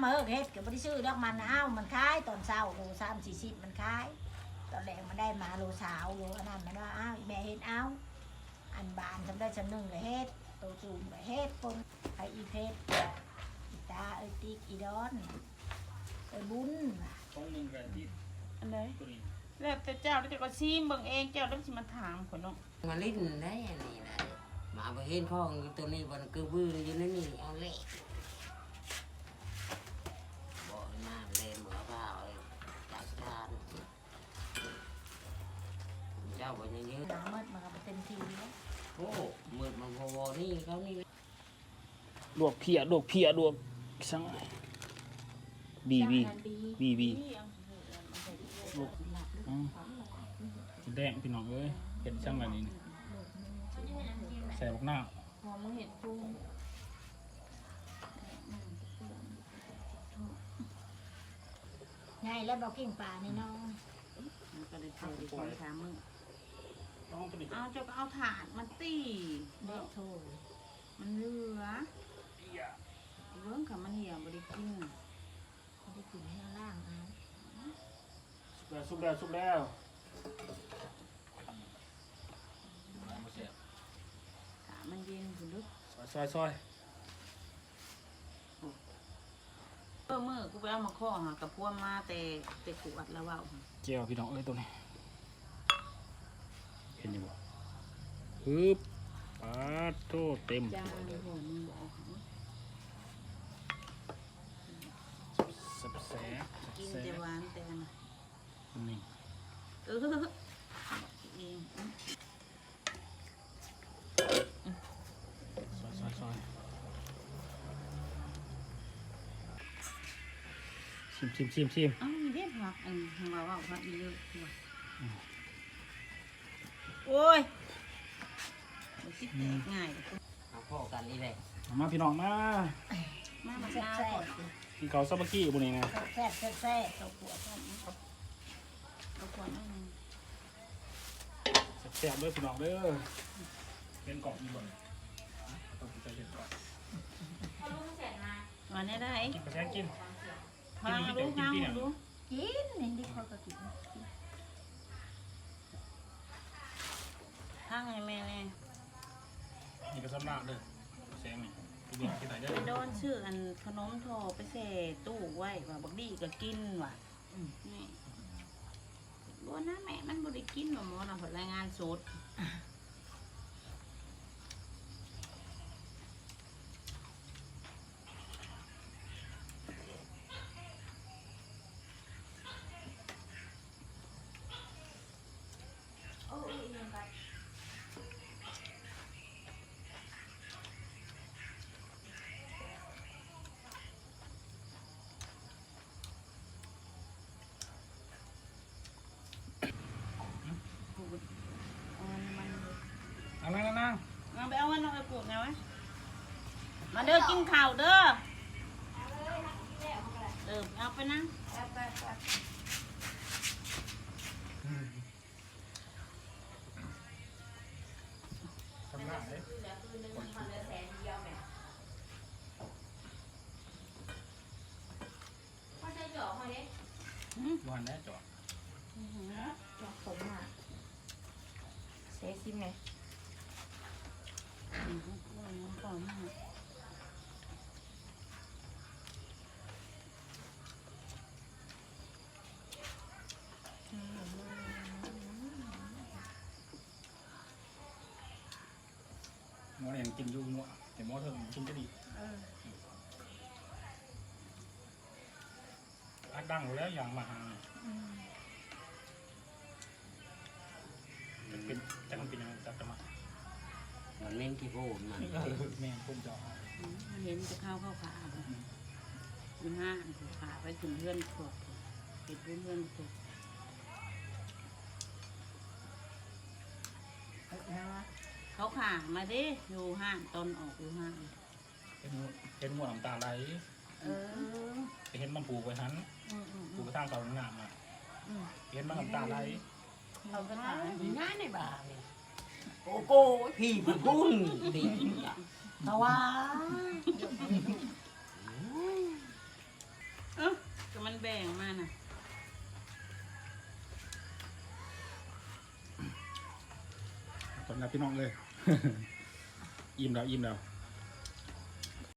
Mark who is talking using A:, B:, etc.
A: มาเฮ็ดก็บ่ได้ซื้อดอกมันมันขายตอนเช้าโล3-40มันขายตอนแรกมันได้มาโลสาวโลอันนั้นมันว่าแม่เฮ็ดเอาอันบานทำได้ชั้นหนึ่งก็เฮ็ดโตจูมก็เฮ็ดปนไปอีเพชรอีตาติ๊กอีดอนบุญ
B: ต้องมึงกันที่
C: อันไหนแล้วแต่เจ้าแล้วจะก็ซีมเบิ่งเองเจ้าต้องสิมาถามคนเนาะ
D: มาลิ้นได้อันนี้นะมาไปเห็นพ่อตัวนี้บนกระบืออยู่นั่นนี่เอาเละบอกมาเลยเหมือเปล่าจากทานเจ้าบอกอย่างนี้
A: หนาเมื่อมันก็เต็มทีแล้ว
D: โอ้มืดมันพอนี่เขานี่
B: ลวกเพียลวกช่างบีลวกแดงพี่น้องเอ้ยเห็ดช่างแบบนี้ใส่บักหน้า
C: หอมเห็ดปู
A: ไงแล้วบอกกิ่งป่านี่น้อง
C: ก็ได้เจอดีกว่าถามมึงเอาเจ้าก็เอาถาดมาตี
A: เด็กโถ
C: มันเหลือเรื่องค่ะมันเหี่ยวบริกิน
A: ไม่ได้กินให้ล่าง
B: สุกแล้ว
C: ขามันเย็นคุณลึก
B: ซอย
C: เมื่อกูไปเอามาข้อหากับพวกมาแต่ขวดแล้วว่า
B: เจียวพี่น้องเอ้ยตัวนี้เห็นยังบ่ฮึบปาโต้เต็ม
C: จานหัวมึงบอก
B: แซ่บ
C: กินแต่หวานแต่นะ
B: นี่
C: เอง
B: ซอยชิม
C: มีได้ผักทางเราเอาผักเยอะตัวโอ้ยคิดง่าย
D: เอาพ่อกันนี่เลย
B: มาพี่น้องมา
C: แซ่บ
B: กินเกาซาบะกี้บุนี่นะ
A: แซ่บ
C: ตัวขวดนั่น
B: แซ่บด้วยพี่น้องเด้อเป็นกรอบมีบ่ต้องกินเห็ดก่อน
C: วันนี้ได้
B: กินกระแทกกิน
C: ฟังรู้
A: กินนี่ดิเขาก็กิน
C: ทางไงแม่เนี่ย
B: นี่ก็สำลักเด้อแซงนี่
C: ไปโดนชื่ออันขนมโถไปเสตู้ไว้ว่าบักดีก็กินว่ะนี่บัวนะแม่มันบริกินว่าหมอนะผลรายงานสด
B: นั่ง
C: เอาไปเอาเงินเอาไปปลูกไงวะมาเด้อกินข้าวเด้อเอาไปนั่ง
B: สำลักเลยวันนี้จอด
A: ผมเซซิมไง
B: หมอเองกินยุ่งมั่วแต่หมอเธอกินก็ดีอัดดังแล้วอย่างมาหาจะเป็นยังจะมา
D: มันเล่นที่พูดมัน
B: แม่ผมจะ
C: เห็นจะเข้าขาอยู่ห้างขาไปถึงเพื่อนขวบติดเพื่อนขวบเขาขามาดิอยู่ห้างตอนออกอยู่ห้าง
B: เป็นหมวดน้ำตาไหลเห็นมันผูกไว้หันผูกไปทางเก่าหน้ามาเห็นมันน้ำตาไหล
C: เราก็ถ่าย
D: ง่ายในบ้านโกโก้พี่บุญดี
A: เพราะว่า
C: แบ่งมาน่ะ
B: คนรับพี่น้องเลย อิ่มแล้ว